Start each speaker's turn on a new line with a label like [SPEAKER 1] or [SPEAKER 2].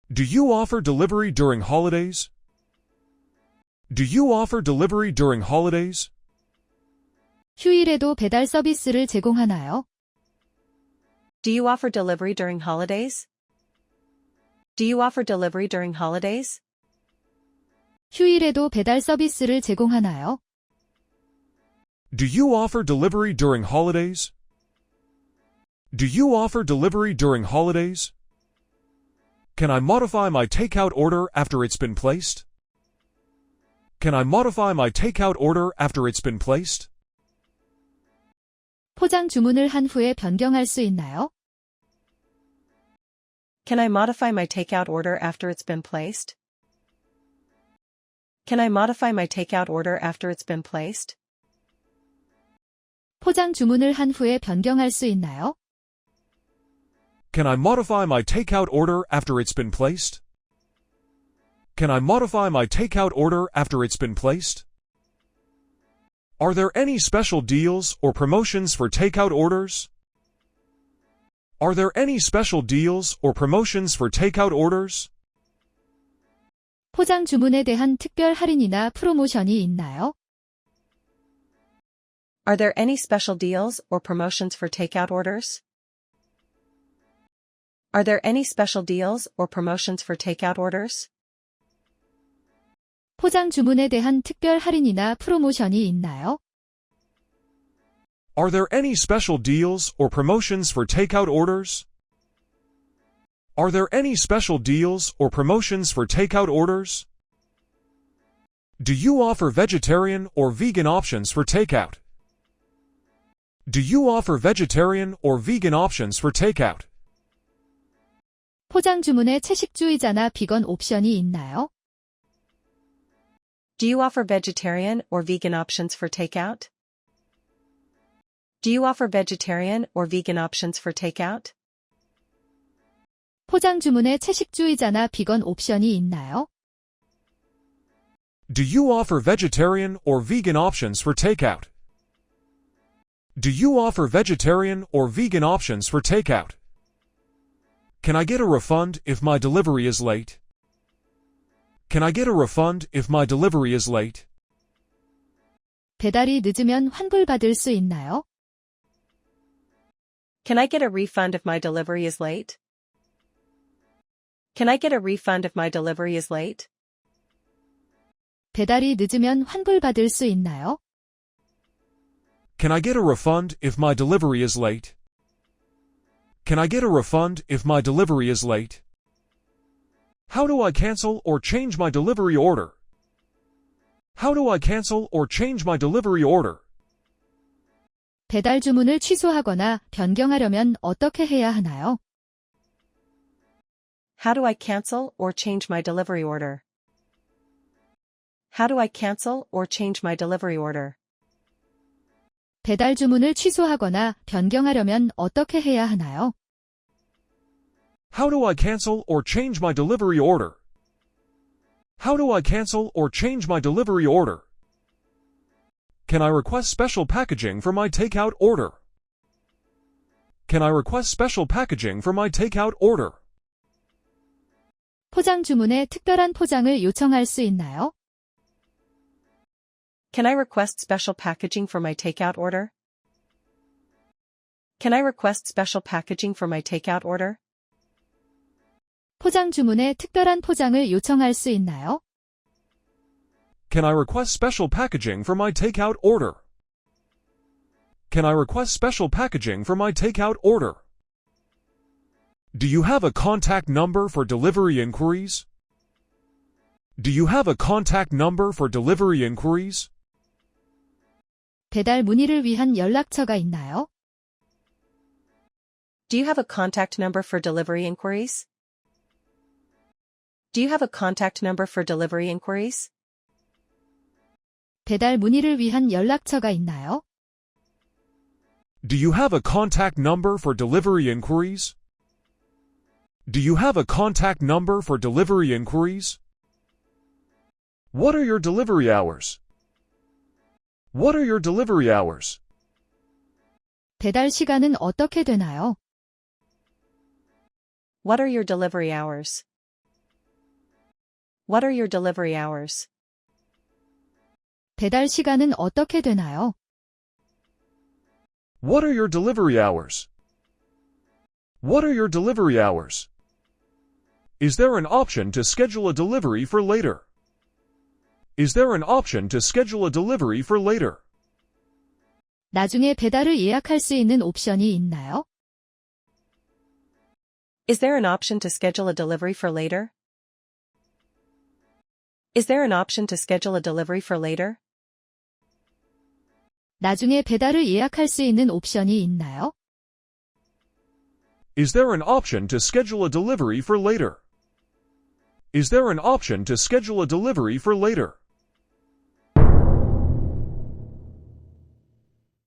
[SPEAKER 1] Do you offer delivery during holidays? Do you offer delivery during holidays?
[SPEAKER 2] 휴일에도 배달 서비스를 제공하나요?
[SPEAKER 3] Do you offer delivery during holidays? Do you offer delivery during holidays?
[SPEAKER 2] 휴일에도 배달 서비스를 제공하나요?
[SPEAKER 1] Do you offer delivery during holidays? Do you offer delivery during holidays? Can I modify my takeout order after it's been placed? Can I modify my takeout order after it's been placed?
[SPEAKER 2] 포장 주문을 한 후에 변경할 수 있나요?
[SPEAKER 3] Can I modify my takeout order after it's been placed? Can I modify my takeout order after it's been placed?
[SPEAKER 2] 포장 주문을 한 후에 변경할 수 있나요?
[SPEAKER 1] Can I modify my takeout order after it's been placed? Can I modify my takeout order after it's been placed? Are there any special deals or promotions for takeout orders? Are there any special deals or promotions for takeout orders?
[SPEAKER 2] 포장 주문에 대한 특별 할인이나 프로모션이 있나요?
[SPEAKER 3] Are there any special deals or promotions for takeout orders? Are there any special deals or promotions for takeout orders?
[SPEAKER 2] 포장 주문에 대한 특별 할인이나 프로모션이 있나요?
[SPEAKER 1] Are there any special deals or promotions for takeout orders? Are there any special deals or promotions for takeout orders? Do you offer vegetarian or vegan options for takeout? Do you offer vegetarian or vegan options for takeout?
[SPEAKER 2] 포장 주문에 채식주의자나 비건 옵션이 있나요?
[SPEAKER 3] Do you offer vegetarian or vegan options for takeout? Do you offer vegetarian or vegan options for takeout?
[SPEAKER 2] 포장 주문에 채식주의자나 비건 옵션이 있나요?
[SPEAKER 1] Do you offer vegetarian or vegan options for takeout? Do you offer vegetarian or vegan options for takeout? Can I get a refund if my delivery is late? Can I get a refund if my delivery is late?
[SPEAKER 2] 배달이 늦으면 환불받을 수 있나요?
[SPEAKER 3] Can I get a refund if my delivery is late? Can I get a refund if my delivery is late?
[SPEAKER 2] 배달이 늦으면 환불받을 수 있나요?
[SPEAKER 1] Can I get a refund if my delivery is late? Can I get a refund if my delivery is late? How do I cancel or change my delivery order? How do I cancel or change my delivery order?
[SPEAKER 2] 배달 주문을 취소하거나 변경하려면 어떻게 해야 하나요?
[SPEAKER 3] How do I cancel or change my delivery order? How do I cancel or change my delivery order?
[SPEAKER 2] 배달 주문을 취소하거나 변경하려면 어떻게 해야 하나요?
[SPEAKER 1] How do I cancel or change my delivery order? How do I cancel or change my delivery order? Can I request special packaging for my takeout order? Can I request special packaging for my takeout order?
[SPEAKER 2] 포장 주문에 특별한 포장을 요청할 수 있나요?
[SPEAKER 3] Can I request special packaging for my takeout order? Can I request special packaging for my takeout order?
[SPEAKER 2] 포장 주문에 특별한 포장을 요청할 수 있나요?
[SPEAKER 1] Can I request special packaging for my takeout order? Can I request special packaging for my takeout order? Do you have a contact number for delivery inquiries? Do you have a contact number for delivery inquiries?
[SPEAKER 2] 배달 문의를 위한 연락처가 있나요?
[SPEAKER 3] Do you have a contact number for delivery inquiries? Do you have a contact number for delivery inquiries?
[SPEAKER 2] 배달 문의를 위한 연락처가 있나요?
[SPEAKER 1] Do you have a contact number for delivery inquiries? Do you have a contact number for delivery inquiries? What are your delivery hours? What are your delivery hours?
[SPEAKER 2] 배달 시간은 어떻게 되나요?
[SPEAKER 3] What are your delivery hours? What are your delivery hours?
[SPEAKER 2] 배달 시간은 어떻게 되나요?
[SPEAKER 1] What are your delivery hours? What are your delivery hours? Is there an option to schedule a delivery for later? Is there an option to schedule a delivery for later?
[SPEAKER 2] 나중에 배달을 예약할 수 있는 옵션이 있나요?
[SPEAKER 3] Is there an option to schedule a delivery for later? Is there an option to schedule a delivery for later?
[SPEAKER 2] 나중에 배달을 예약할 수 있는 옵션이 있나요?
[SPEAKER 1] Is there an option to schedule a delivery for later? Is there an option to schedule a delivery for later?